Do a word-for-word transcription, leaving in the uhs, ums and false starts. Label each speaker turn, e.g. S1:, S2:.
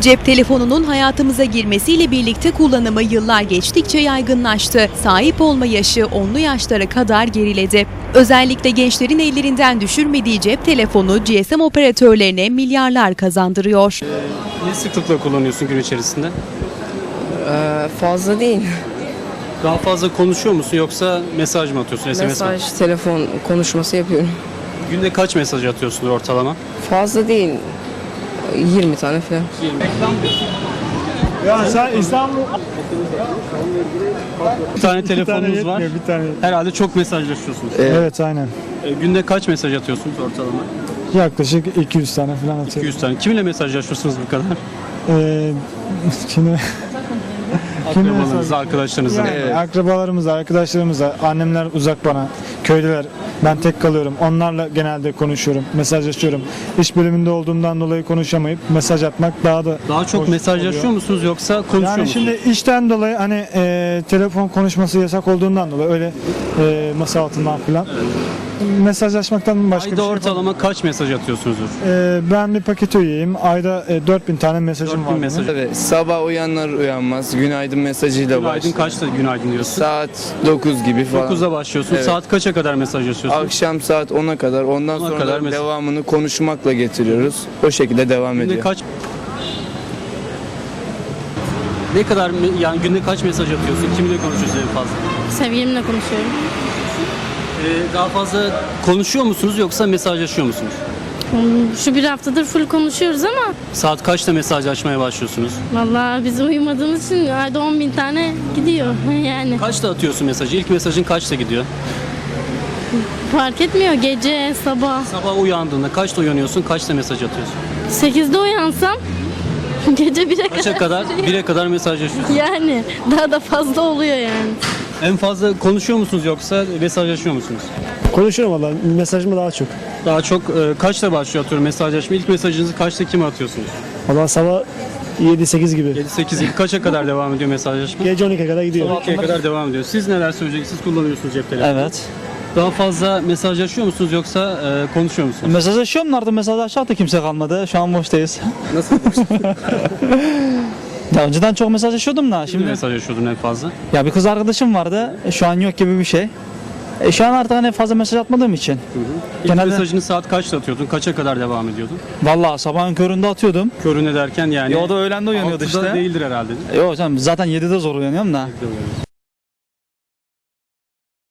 S1: Cep telefonunun hayatımıza girmesiyle birlikte kullanımı yıllar geçtikçe yaygınlaştı. Sahip olma yaşı onlu yaşlara kadar geriledi. Özellikle gençlerin ellerinden düşürmediği cep telefonu G S M operatörlerine milyarlar kazandırıyor.
S2: Ne sıklıkla kullanıyorsun gün içerisinde?
S3: Ee, fazla değil.
S2: Daha fazla konuşuyor musun yoksa mesaj mı atıyorsun, S M S mi?
S3: Mesaj, telefon konuşması yapıyorum.
S2: Günde kaç mesaj atıyorsun ortalama?
S3: Fazla değil. yirmi tane falan.
S4: Ya sen İstanbul
S2: Bir tane telefonunuz
S4: yetmiyor,
S2: var.
S4: bir tane.
S2: Herhalde çok mesajlaşıyorsunuz.
S4: Evet aynen.
S2: E, günde kaç mesaj atıyorsunuz ortalama?
S4: Yaklaşık iki yüz tane falan
S2: iki
S4: atıyorum.
S2: yüz tane. Kiminle mesajlaşıyorsunuz bu kadar?
S4: Ee, şimdi Kiminle
S2: Akrabalarınızla,
S4: mesaj-
S2: arkadaşlarınızla.
S4: yani arkadaşlarımızla, arkadaşlarımızla, annemler uzak bana, köylüler, ben tek kalıyorum. Onlarla genelde konuşuyorum, mesajlaşıyorum. İş bölümünde olduğumdan dolayı konuşamayıp mesaj atmak daha da
S2: Daha çok
S4: hoş
S2: mesajlaşıyor
S4: oluyor.
S2: musunuz yoksa konuşuyor
S4: Yani
S2: musunuz?
S4: şimdi işten dolayı hani e, telefon konuşması yasak olduğundan dolayı öyle e, masa altından falan mesajlaşmaktan başka
S2: Ayda
S4: bir şey
S2: ortalama kaç mesaj atıyorsunuzdur?
S4: Ee, ben bir paket üyeyim. Ayda e, dört bin tane mesajım
S2: dört
S4: var.
S2: bin mesaj.
S5: Evet, sabah uyanlar uyanmaz günaydın mesajıyla
S2: Günaydın
S5: başlıyor.
S2: kaçta günaydın diyorsun?
S5: Saat dokuz gibi falan.
S2: dokuzda başlıyorsun.
S5: Evet.
S2: Saat kaça kadar mesajlaşıyorsun?
S5: Akşam saat ona kadar. Ondan
S2: ona
S5: sonra
S2: kadar
S5: da
S2: mesaj.
S5: devamını konuşmakla getiriyoruz. O şekilde devam
S2: Günde
S5: ediyor.
S2: kaç Ne kadar me- yani günde kaç mesaj atıyorsun? Kiminle konuşuyorsun en fazla?
S6: Sevgilimle konuşuyorum.
S2: Ee, daha fazla konuşuyor musunuz yoksa mesajlaşıyor musunuz?
S6: Hmm, Şu bir haftadır full konuşuyoruz ama
S2: Saat kaçta mesajlaşmaya başlıyorsunuz?
S6: vallahi biz uyumadığımız için ayda on bin tane gidiyor yani.
S2: Kaçta atıyorsun mesajı? İlk mesajın kaçta gidiyor?
S6: Fark etmiyor gece, sabah.
S2: Sabah uyandığında kaçta uyanıyorsun? Kaçta mesaj atıyorsun?
S6: sekizde uyansam gece bire
S2: Kaça
S6: kadar.
S2: kadar? bire kadar mesajlaşıyorsun.
S6: Yani daha da fazla oluyor yani.
S2: En fazla konuşuyor musunuz yoksa mesajlaşıyor musunuz?
S4: Konuşuyorum valla. Mesajımı daha çok.
S2: Daha çok e, kaçta başlıyor atıyorum mesajlaşma? İlk mesajınızı kaçta kime atıyorsunuz?
S4: Valla sabah yedi sekiz gibi.
S2: yedi sekiz gibi kaça kadar devam ediyor mesajlaşma?
S4: Gece on ikiye kadar gidiyor.
S2: on ikiye kadar devam ediyor. Siz neler söyleyeceksiniz? Siz kullanıyorsunuz cep telefonu.
S7: Evet.
S2: Daha fazla mesajlaşıyor musunuz yoksa e, konuşuyor musunuz?
S7: Mesajlaşıyorum artık mesajlaşacak da kimse kalmadı. Şu an boştayız.
S2: Nasıl?
S7: Ya önceden çok mesajlaşıyordum da
S2: Şimdi
S7: şimdi.
S2: mesajlaşıyordun en fazla.
S7: Ya bir kız arkadaşım vardı. E, Şu an yok gibi bir şey. E, şu an artık hani fazla mesaj atmadığım için.
S2: İlk
S7: Genelde-
S2: mesajını saat kaçta atıyordun? Kaça kadar devam ediyordun?
S7: Vallahi sabahın köründe atıyordum.
S2: Körüne derken yani.
S7: Ya o da öğlende uyanıyordu
S2: altıda
S7: işte.
S2: değildir herhalde.
S7: Yok canım zaten yedide zor uyanıyorum da.
S2: Altıda uyanıyorsun.